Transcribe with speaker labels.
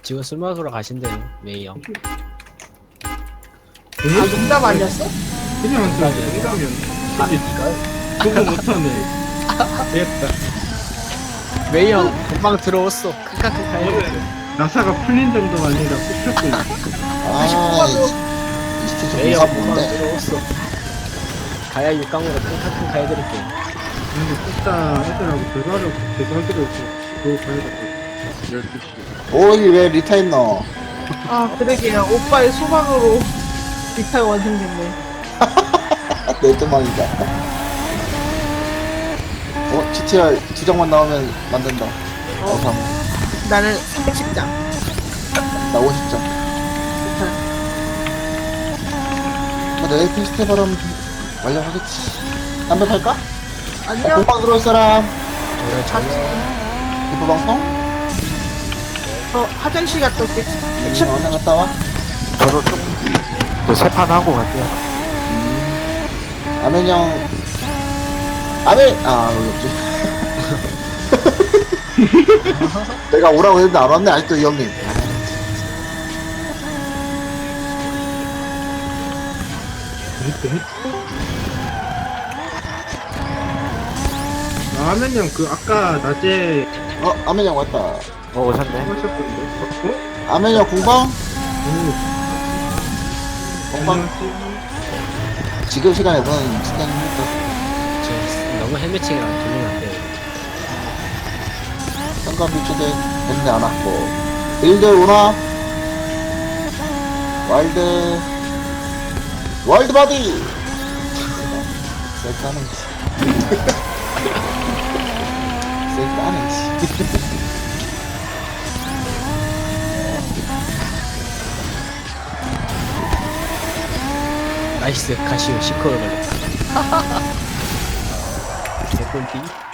Speaker 1: 지금 술 먹으러 가신대요, 메이 형.
Speaker 2: 아 농담 아니었어?
Speaker 3: 그냥 농담이었네. 그거 못하네. 됐다.
Speaker 1: 메이 형 금방 들어왔어. 크카크카 해.
Speaker 3: 오늘 나사가 풀린 정도가 아니라 꼽혔고
Speaker 4: 아, 이스트 좀
Speaker 1: 메이 형 금방
Speaker 4: 무섭던데.
Speaker 1: 들어왔어. 가야 육강으로 크카크카 해드릴게.
Speaker 3: 근데 꼽다 애들하고 대화를 하기로 해서 그거 가야 될 것 같아. 12시.
Speaker 4: 오, 여기 왜 리타 있노?
Speaker 2: 아 그러게요. 오빠의 소망으로 리타가 완성됐네.
Speaker 4: 내 도망이다. GTR 2장만 나오면 만든다. 어상.
Speaker 2: 나는 30장.
Speaker 4: 나 50장. 내일 페스티벌은 완료하겠지. 담배 팔까?
Speaker 2: 아니요.
Speaker 4: 공방 들어올 사람.
Speaker 2: 같이.
Speaker 4: 기포 방송?
Speaker 2: 저 화장실 갔다 올게.
Speaker 4: 언제 갔다 와?
Speaker 5: 저도 좀, 세판 하고 갈게요.
Speaker 4: 아멘 형. 여기 없지. 내가 오라고 했는데 안 왔네, 아직도 이 형님.
Speaker 3: 라면 형그 아까 낮에
Speaker 4: 아멘 형 왔다.
Speaker 5: 오셨네.
Speaker 3: 하셨던데?
Speaker 4: 아멘 형 공방? 공방?
Speaker 3: 안녕하세요.
Speaker 4: 지금 시간에서는 시간입니까?
Speaker 1: 저 너무 헬멧이랑 돌리면 안 돼요.
Speaker 4: 상관 비추대 했는데 안 왔고. 일들 오나? 와일드 바디! 셀카는 셀카는
Speaker 1: 나이스, 가시오, 10코를 걸렸다. 개꿀띠.